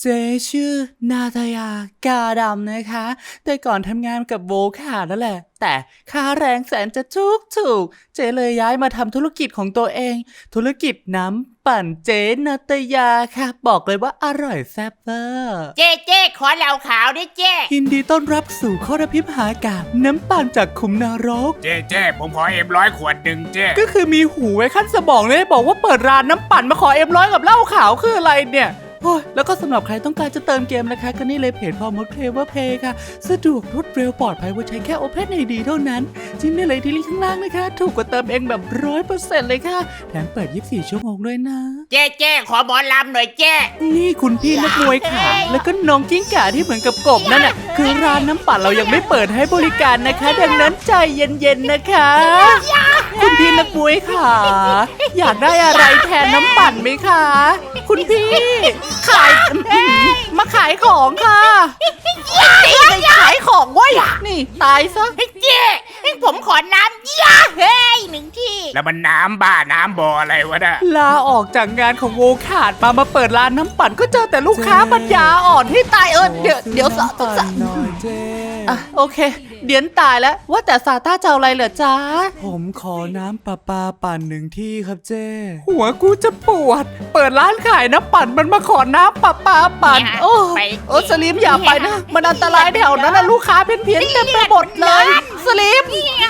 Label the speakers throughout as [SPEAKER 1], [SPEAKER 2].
[SPEAKER 1] ชื่อนาตายากาดำนะคะแต่ก่อนทำงานกับโวขานั่นแหละแต่ค่าแรงแสนจะถูกเจเลยย้ายมาทำธุรกิจของตัวเองธุรกิจน้ำปั่นเจนาตายาค่ะบอกเลยว่าอร่อยแซ่บเวอร์
[SPEAKER 2] เจ๊ขอเหล้าขาวด้วยเจ๊
[SPEAKER 1] ยินดีต้อนรับสู่ข้อระพิมหากาศน้ำปั่นจากขุมนรก
[SPEAKER 3] เจ๊ผมขอ100 ขวดหนึ่งเจ๊
[SPEAKER 1] ก็คือมีหูไว้ขั้นสมองเลยบอกว่าเปิดร้านน้ำปั่นมาขอ100กับเหล้าขาวคืออะไรเนี่ยแล้วก็สำหรับใครต้องการจะเติมเกมนะคะก็นี่เลยเพจพอมดเพลเวอร์เพย์ค่ะสะดวกรวดเร็วปลอดภัยว่าใช้แค่ Open ID เท่านั้นจิ้มได้เลยที่ลิงก์ข้างล่างนะคะถูกกว่าเติมเองแบบ 100% เลยค่ะแถมเปิด24 ชั่วโมงด้วยนะ
[SPEAKER 2] เจ๊ขอหมอลำหน่อยเจ๊
[SPEAKER 1] นี่คุณพี่นักมวยขาแล้วก็น้องกิ้งก่าที่เหมือนกับกบนั่นน่ะคือร้านน้ำปั่นเรายังไม่เปิดให้บริการนะคะดังนั้นใจเย็นๆนะคะคุณพี่นักมวยขาอยากได้อะไรแทนน้ำปั่นไหมคะคุณพี่ขายมาขายของค่ะขายของเว้ยนี่ตายซะ
[SPEAKER 2] เจ๊ผมขอน้ำยาหนึ่งที่
[SPEAKER 3] แล้วมันน้ำบ้าน้ำบ่ออะไรวะน่ะ
[SPEAKER 1] ลาออกจากงานของโวขาดมาเปิดร้านน้ำปั่นก็เจอแต่ลูกค้าปัญญาอ่อนที่ตายเดี๋ยวสะโอเคเดี๋ยวตายแล้วว่าแต่ซาต้าจะเอาอะไรเหรอจ๊ะผมขอน้ำประปาปั่นหนึ่งที่ครับเจ้หัวกูจะปวดเปิดร้านขายน้ำปั่นมันมาขอน้ำประปาปั่นโอ้สลิมอย่าไปนะมันอันตรายแถวนั้นนะลูกค้าเพี้ยนเต็มไปหมดเลยสลิม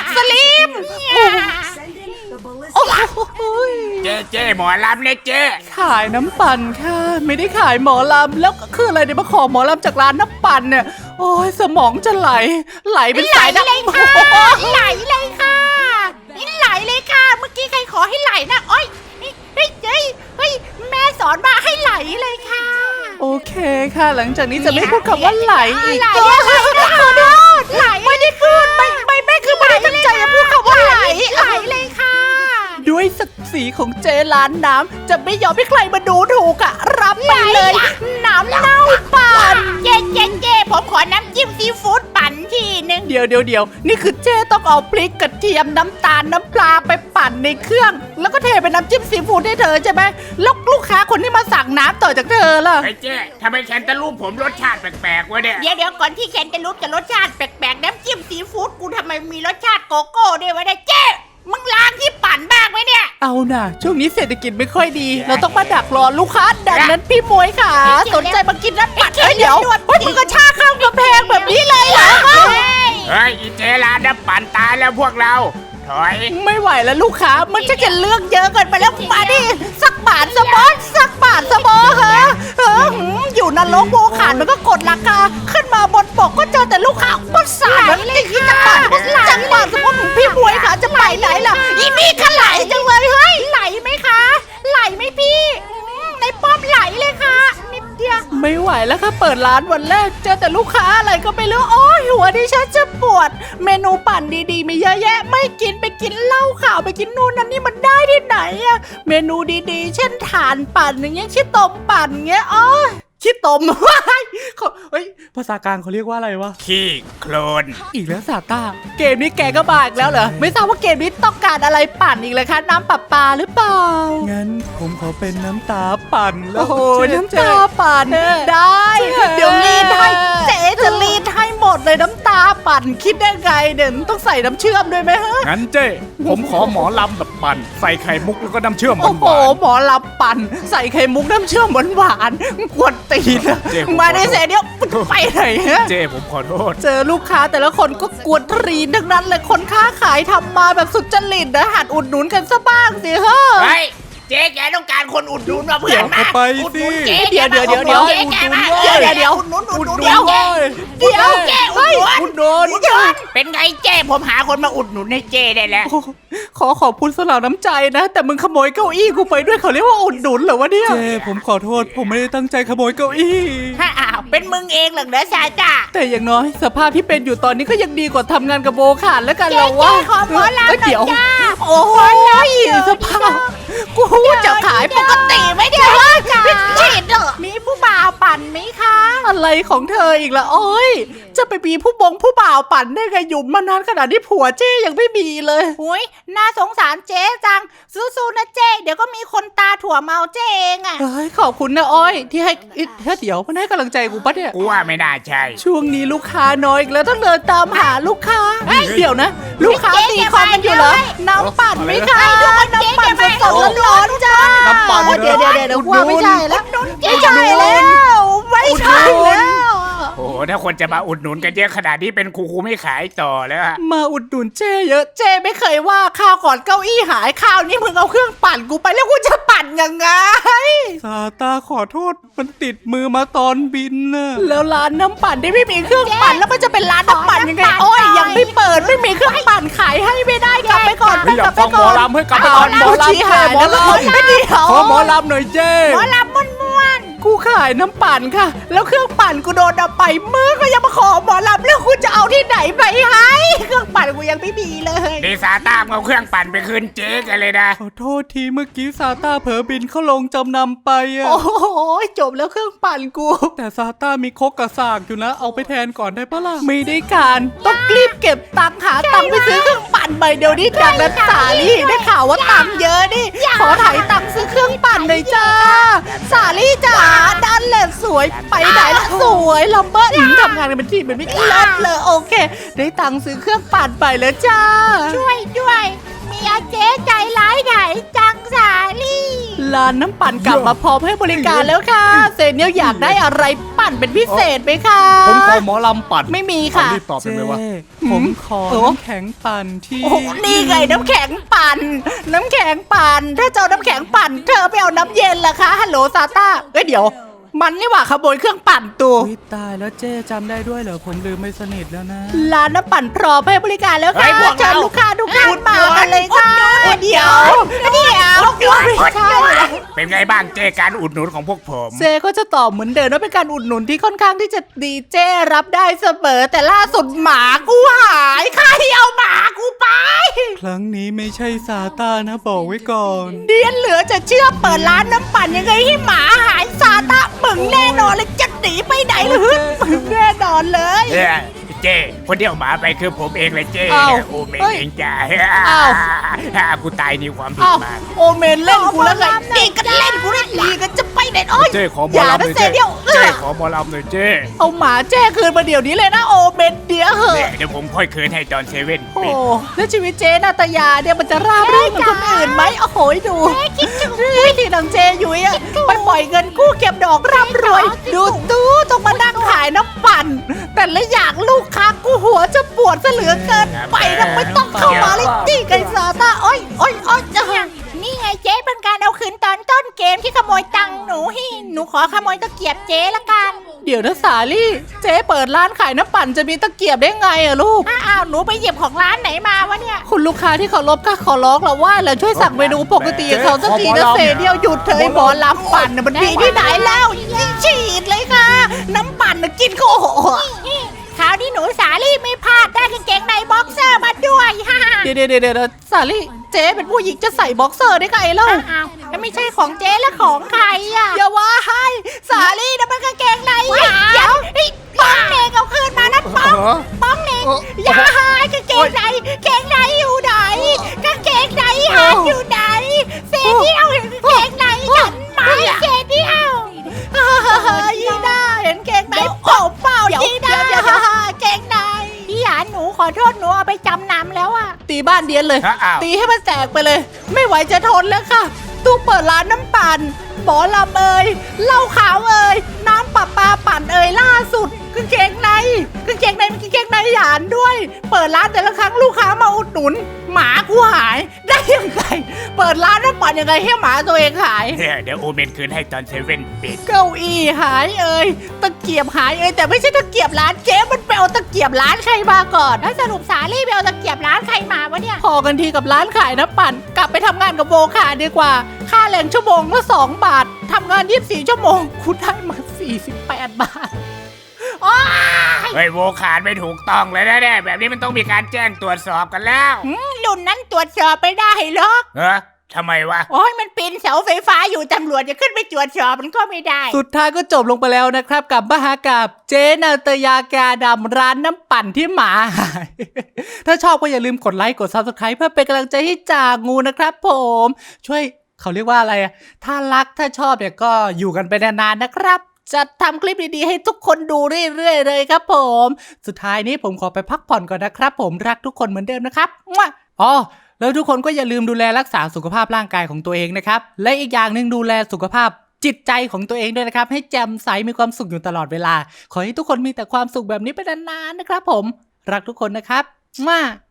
[SPEAKER 3] เจ๊หมอลำเนี่ยเจ๊
[SPEAKER 1] ขายน้ำปั่นค่ะไม่ได้ขายหมอลำแล้วคืออะไรเนี่ยมาขอหมอลำจากร้านน้ำปั่นเนี่ยโอ้ยสมองจะไหลเป็นสายน้ำ
[SPEAKER 2] ไหลเลยค่ะเมื่อกี้ใครขอให้ไหลนะโอ้ยเฮ้ยแม่สอนมาให้ไหลเลยค่ะ
[SPEAKER 1] โอเคค่ะหลังจากนี้จะไม่พูดคำว่าไหลอีก
[SPEAKER 2] ไหลไม่ได้พูดไม่แม่คือไม่ได้ตั้งใจจะพูดคำว่าไหลเลยค่ะ
[SPEAKER 1] ด้วยศักดิ์ศรีของเจร้านน้ำจะไม่ยอมให้ใครมาดูถูกอะรับไปเลยน้ำเน่าปั่น
[SPEAKER 2] เจ๊ผมขอน้ำจิ้มซีฟู้ดปั่นทีนึง
[SPEAKER 1] เดี๋ยวนี่คือเจต้องเอาพริกกระเทียมน้ำตาลน้ำปลาไปปั่นในเครื่องแล้วก็เทเป็นน้ำจิ้มซีฟู้ดให้เธอใช่ไหมแล้วลูกค้าคนที่มาสั่งน้ำต่อจากเธอล่ะ
[SPEAKER 3] เจ๊ทำไมแคนตาลูปผมรสชาติแปลกๆวะเนี่ย
[SPEAKER 2] เดี๋ยวก่อนที่แคนตาลูปจะรสชาติแปลกๆน้ำจิ้มซีฟู้ดกูทำไมมีรสชาติโกโก้ด้วยวะเนี่ยเจ๊มึงล้างที่ปั่นบ้างไหมเนี่ย
[SPEAKER 1] เอาน่ะช่วงนี้เศรษฐกิจไม่ค่อยดีเราต้องมาดักรอลูกค้าดังนั้นพี่มวยค่ะสนใจมากินน้ำปั่นเดี๋ยวมึงก็ชาข้ามกำแพงแบบนี้เลยเหรอ
[SPEAKER 3] เฮ้ยอีเจร้านน้ำปั่นตายแล้วพวกเราถอย
[SPEAKER 1] ไม่ไหวแล้วลูกค้ามันจะเลือกเยอะเกินไปแล้วมาดิสักบาทสมอเหรออยู่นรกโวขาดมันก็กดราคาขึ้นมาบนปกก็เจอแต่ลูกค้าก็สายแล้วนี่คือจังบาทสมมติพี่มวยค่ะจะไปไหนล่ะอีนี่ก็ไหลจังเลยเฮ้ย
[SPEAKER 2] ไหลไหมคะไหลไหมพี่ในป้อมไหลเลยค่ะนิดเดียว
[SPEAKER 1] ไม่ไหวแล้วค่ะเปิดร้านวันแรกเจอแต่ลูกค้าอะไรก็ไม่รู้โอ้ยหัวดิฉันจะปวดเมนูปั่นดีๆมีเยอะแยะไม่กินไปกินเหล้าขาวไปกินนู่นนั่นนี่มันได้ที่ไหนอะเมนูดีๆเช่นถ่านปั่นอย่างเงี้ยชิตมปั่นเงี้ยอ๋อขี้ตมเฮ้ยภาษากลางเขาเรียกว่าอะไรวะ
[SPEAKER 3] ขี้โคลน
[SPEAKER 1] อีกแล้วซาต้าเกมนี้แกก็บาอีกแล้วเหรอไม่ทราบว่าเกมนี้ต้องการอะไรปั่นอีกเลยคะน้ำประปาหรือเปล่างั้นผมขอเป็นน้ำตาปั่นแล้วโอ้น้ำตาปั่นได้เดี๋ยวรีดให้เจ๊จะรีดให้หมดเลยน้ำตาปั่นคิดได้ไงเดี๋ยวต้องใส่น้ำเชื่อมด้วยไหมฮะ
[SPEAKER 3] งั้นเจ๊ผมขอหมอลำแบบปั่นใส่ไข่มุกแล้วก็น้ำเชื่อมหวาน
[SPEAKER 1] โอ้โหหมอลำปั่นใส่ไข่มุกน้ำเชื่อมหวานกวนตีนมาได้เสียเดียวไปไหนฮะ
[SPEAKER 3] เจ๊ผมขอโทษ
[SPEAKER 1] เจอลูกค้าแต่ละคนก็กวนตีนทั้งนั้นเลยคนค้าขายทำมาแบบสุดจริตนะหัดอุดหนุนกันซะบ้างสิเฮ้ย
[SPEAKER 2] เจ๊แกต้องการคนอุดหนุนมาเพื่อนมา
[SPEAKER 1] อุดหนุนเดี๋ยวอุดหนุนเจ๊แกมาเดี๋ยวอุดหนุน
[SPEAKER 2] เป็นไงเจ๊ผมหาคนมาอุดหนุนให้เจ๊ได้แล้ว
[SPEAKER 1] ขอบคุณสำหรับน้ำใจนะแต่มึงขโมยเก้าอี้กูไปด้วยเขาเรียกว่าอุดหนุนเหรอวะเนี่ยเจ๊ผมขอโทษผมไม่ได้ตั้งใจขโมยเก้าอี้
[SPEAKER 2] เป็นมึงเองเหรอซาจ้า
[SPEAKER 1] แต่อย่างน้อยสภาพที่เป็นอยู่ตอนนี้ก็ยังดีกว่าทำงานกับโบขาดแล้วกันเราว่า
[SPEAKER 2] ขอหมอลำ
[SPEAKER 1] เดี๋ยวโอ้ยสภาพกูจะขายปกติไหมเนี่ย
[SPEAKER 2] ฉีดเหรอมีผู้บ่าวปั่นไหมคะ
[SPEAKER 1] อะไรของเธออีกล่ะโอ้ยจะไปมีผู้บ่าวปั่นได้ไงอยู่มานานขนาดที่ผัวเจ้ยังไม่มีเลย
[SPEAKER 2] หุยน่าสงสารเจ๊จังสู้ๆนะเจ๊เดี๋ยวก็มีคนตาถั่วเมาเจ๊เองอะ
[SPEAKER 1] เฮ้ยขอบคุณนะอ้อยที่ให้เดี๋ยวมันให้กำลังใจกูปะเนี่ย
[SPEAKER 3] กูว่าไม่น่าใช่
[SPEAKER 1] ช่วงนี้ลูกค้าน้อยอีกแล้วต้องเดินตามหาลูกค้าเดี๋ยวนะ ลูกค้าตีความกันอยู่เหรอน้ำปั่นไหมคะน้ำปั่นสดๆร้อนๆจ้า
[SPEAKER 4] น้ำปั่น
[SPEAKER 1] เดี๋ยวว่าไม่ใช่แล้วไม่ใช่แล้วไม่ใช่แล้ว
[SPEAKER 3] โอ้โหถ้าคนจะมาอุดหนุนกันเยอะขนาดนี้เป็นครูไม่ขายต่อแล้วอะ
[SPEAKER 1] มาอุดหนุนเจ้เยอะเจ้ไม่เคยว่าข้าวก่อนเก้าอี้หายข้าวนี่มึงเอาเครื่องปั่นกูไปแล้วกูจะปั่นยังไงซาตาขอโทษมันติดมือมาตอนบินน่ะแล้วร้านน้ำปั่นที่ไม่มีเครื่องปั่นแล้วมันจะเป็นร้านน้ำปั่นยังไงโอ้ยยังไม่เปิดไม่มีเครื่องปั่นขายให้ไม่ได้กลับไปก่อน
[SPEAKER 4] อยากฟังหมอลำให้กลับไปก่อนหมอลำ
[SPEAKER 1] ชี้หายแล้วไม่เดียว
[SPEAKER 4] ขอหมอลำหน่อยเจ้
[SPEAKER 2] หมอลำม่วน
[SPEAKER 1] กูขายน้ำปั่นค่ะ แล้วเครื่องปั่นกูโดนเอาไปมือก็ยังมาขอหมอลำแล้วกูจะเอาที่ไหนไปให้เครื่องปั่นกูยังไม่มีเลย
[SPEAKER 3] ดีซาต้ามเอาเครื่องปั่นไปคืนเจ๊กันเลยนะ
[SPEAKER 4] ขอโทษทีเมื่อกี้ซาต้าเผลอบินเข้าลงจำนำไปอะ
[SPEAKER 1] โอ้โหจบแล้วเครื่องปั่นกู
[SPEAKER 4] แต่ซาต้ามีคกกระสากอยู่นะ เอาไปแทนก่อนได้ปะล่ะ
[SPEAKER 1] ไม่ได้การต้องรีบเก็บตังค์หาตังค์ไปซื้อเครื่องปั่นใบเดียวนี้จากนันสาลี่ได้ข่าวว่าตังค์เยอะนี่ขอถ่ายตังค์ซื้อเครื่องปั่นหน่อยจ้าสาลี่จ๋าด้านแหลสวยไปไหนล่ะสวยลำเบิ้ลทำงานกันเป็นทีมเป็นไม่เลิศเลยโอเค ได้ตังค์ซื้อเครื่องปั่นไปแล้วจ้า
[SPEAKER 2] ๆช่วยด้วยมีอาเจ๊ใจร้ายไหนจังสาลี่
[SPEAKER 1] ร้านน้ำปั่นกลับมาพร้อมให้บริการแล้วค่ะเซเนียลอยากได้อะไรปั่นเป็นพิเศษไหมคะ
[SPEAKER 4] ผมขอหมอลำปั่น
[SPEAKER 1] ไม่มีค่ะ
[SPEAKER 4] รีบตอบเป็นไหมวะผมขอน้ำแข็งปั่นที่
[SPEAKER 1] โอ้โหนี่ไงน้ำแข็งปั่น น้ำแข็งปั่น ถ้าเจ้าน้ำแข็งปั่น เธอไปเอาน้ำเย็นล่ะคะ ฮัลโหลซาต้าเอ้ยเดี๋ยว มันนี่หว่าขโมยเครื่องปั่นตัว
[SPEAKER 4] อุ๊ยตายแล้วเจ้จำได้ด้วยเหรอผมลืมไม่สนิทแล้วนะ
[SPEAKER 1] ร้านน้ำปั่นพร้อมให้บริการแล้ว
[SPEAKER 3] เฮ้
[SPEAKER 1] ค่ะ
[SPEAKER 3] ยพวกเรา
[SPEAKER 1] เชิญลูกค้าทุกท่านมากันเลยค่ะเดี๋ยวไม่ใช่
[SPEAKER 3] เป็นไงบ้างเจ๊การอุดหนุนของพวกผม
[SPEAKER 1] เจก็จะตอบเหมือนเดิมว่าเป็นการอุดหนุนที่ค่อนข้างที่จะดีเจรับได้เสมอ แต่ล่าสุดหมากูหายใครเอาหมากูไป
[SPEAKER 4] ครั้งนี้ไม่ใช่ซาต้านะบอกไว้ก่อน
[SPEAKER 1] เดียนเหลือจะเชื่อเปิดร้านน้ำปั่นยังไงให้หมาหายซาตะมึงแน่นอนเลยจะหนีไปไหนหรือมึงแน่นอนเลย
[SPEAKER 3] เจ๊คนเดียวหมาไปคือผมเองเลยเจ๊
[SPEAKER 1] อ้าว
[SPEAKER 3] โอ้เมน
[SPEAKER 1] เฮ้ย
[SPEAKER 3] เองจ้า
[SPEAKER 1] อ้าว
[SPEAKER 3] กูตายนี่ความผิด
[SPEAKER 1] อ้าว
[SPEAKER 3] มาก
[SPEAKER 1] โอเมนเล่นกูแล้วไงดีกันเล่นกูได้ดีกันจะไปไหนโอ้ย
[SPEAKER 4] เจ๊ขอหม
[SPEAKER 1] อ
[SPEAKER 4] อย่าง ลำห
[SPEAKER 1] นะ
[SPEAKER 4] น่อย
[SPEAKER 1] เซ
[SPEAKER 4] เจ๊
[SPEAKER 1] เดียว
[SPEAKER 4] เจ๊ขอหมอลำหน่อยเจ๊
[SPEAKER 1] เอาหมาแจ้คืนมาเดี๋ยวนี้เลยนะโอเมนเดี๋ยวเหอะ
[SPEAKER 3] เนี่ยเดี๋ยวผมค่อยคืนให้จอนเซเว่น
[SPEAKER 1] โอ้
[SPEAKER 3] ปิด
[SPEAKER 1] แล้วชีวิตเจนาตยาเนี่ยมันจะราบรื่นเหมือนคนอื่นไหมโอ้โหดูที่ดังเจยุ้ยอะไปปล่อยเงินกู้เก็บดอกร่ำรวย ดูตู้ต้องมานั่งขายน้ำปั่น แต่ละอย่างลูกค้ากูหัวจะปวดซะเหลือเกินไปนะไม่ต้องเข้ามาเลยจี้ไก่ซาตาโอ้ยโอ้ยโอ้ยจะหัง
[SPEAKER 2] นี่ไงเจ๊เป็นการเอาคืนตอนต้นเกมที่ขโมยตังค์หนูให้หนูขอขโมยตะเกียบเจ๊ละกัน
[SPEAKER 1] เดี๋ยวนะสาลี่เจ๊เปิดร้านขายน้ำปั่นจะมีตะเกียบได้ไงอะลูก
[SPEAKER 2] อ้าวหนูไปหยิบของร้านไหนมาวะเนี่ย
[SPEAKER 1] คุณลูกค้าที่เคารพก็ขอร้องเราว่าเราช่วยสั่งเมนูปกติกับเขาสักทีนะเซเดียวหยุดเถอะไอ้หมอลำปั่นน่ะมันดีที่ไหนแล้วยิ่งฉีดเลยค่ะ น้ำปั่นน่ะกินก็โอ้โห
[SPEAKER 2] คราวนี้หนูสาลี่ไม่พลาดได้กางเกงในบ็อกเซอร์มาด้วยฮ่า
[SPEAKER 1] เดี๋ยวสาลี่เจ๊เป็นผู้หญิงจะใส่บ็อกเซอร์ได้ไงเล่า
[SPEAKER 2] อ้าวแล้วไม่ใช่ของเจ๊แล้วของใครอ่ะ
[SPEAKER 1] อย่าว่าให้สาลี่นะมันกางเกงใน
[SPEAKER 2] เดี๋ยวป้องเนงเอาคืนมานะป้องเนงอย่าหายกางเกงในเกงในอยู่ไหนกางเกงในหายอยู่ไหนเซนี่เอากางเกงในฉันไหมเซนี่เอา
[SPEAKER 1] ยีน่าเห็นเกงในเปล่าเปล่ายีน่าเกงใน
[SPEAKER 2] พี่หยานหนูขอโทษหนูเอาไปจำนำแล้วอ่ะ
[SPEAKER 1] ตีบ้านเดียนเลย
[SPEAKER 3] อ้าว
[SPEAKER 1] ตีให้มันแตกไปเลย ไม่ไหวจะทนแล้วค่ะ ตู้เปิดร้านน้ำปั่นหมอลำเอ่ยเหล้าขาวเอ่ยน้ำปลาปั่นเอ่ยล่าสุดกางเกงในมันกางเกงในหยานด้วย เปิดร้านแต่ละครั้งลูกค้ามาอุดหนุน หมากูหายได้ยังไง เปิดร้านน้ำปั่นยังไงให้หมาตัวเองหาย
[SPEAKER 3] เดี๋ยวโอเมนคืนให้จอนเซเว่นปิด
[SPEAKER 1] เก้าอี้หายเอ่ยตะเกียบหายเอ่ยแต่ไม่ใช่ตะเกียบร้านเจ๊มันไปเอาตะเกียบร้านใครมาก่อน
[SPEAKER 2] แล้วสรุปสาลี่ไปเอาตะเกียบร้านใครมาวะเนี่ย
[SPEAKER 1] พอกันทีกับร้านขายน้ำปั่นกลับไปทำงานกับโวขาดีกว่า ค่าแรงชั่วโมงละ2 บาททำงาน24 ชั่วโมงคุณได้มา48 บาท
[SPEAKER 3] เฮ้ยโวขาดไม่ถูกต้องเลยนะเนี่ยแบบนี้มันต้องมีการแจ้งตรวจสอบกันแล้ว
[SPEAKER 2] รุ่นนั้นตรวจสอบไปได้หรอก
[SPEAKER 3] เออทำไมวะ
[SPEAKER 2] โอ้ยมันปีนเสาไฟฟ้าอยู่ตำรวจจะขึ้นไปตรวจสอบมันก็ไม่ได้
[SPEAKER 1] สุดท้ายก็จบลงไปแล้วนะครับกับมหากาพย์เจนาตยากาดำร้านน้ำปั่นที่หมาหาย ถ้าชอบก็อย่าลืมกดไลค์กด Subscribe เพื่อเป็นกำลังใจให้จ่างูนะครับผมช่วยเขาเรียกว่าอะไรอะถ้ารักถ้าชอบเนี่ยก็อยู่กันไปนานๆนะครับจะทำคลิปดีๆให้ทุกคนดูเรื่อยๆเลยครับผมสุดท้ายนี้ผมขอไปพักผ่อนก่อนนะครับผมรักทุกคนเหมือนเดิมนะครับมั่วอ๋อแล้วทุกคนก็อย่าลืมดูแลรักษาสุขภาพร่างกายของตัวเองนะครับและอีกอย่างหนึ่งดูแลสุขภาพจิตใจของตัวเองด้วยนะครับให้แจ่มใสมีความสุขอยู่ตลอดเวลาขอให้ทุกคนมีแต่ความสุขแบบนี้ไปนานๆนะครับผมรักทุกคนนะครับมั่ว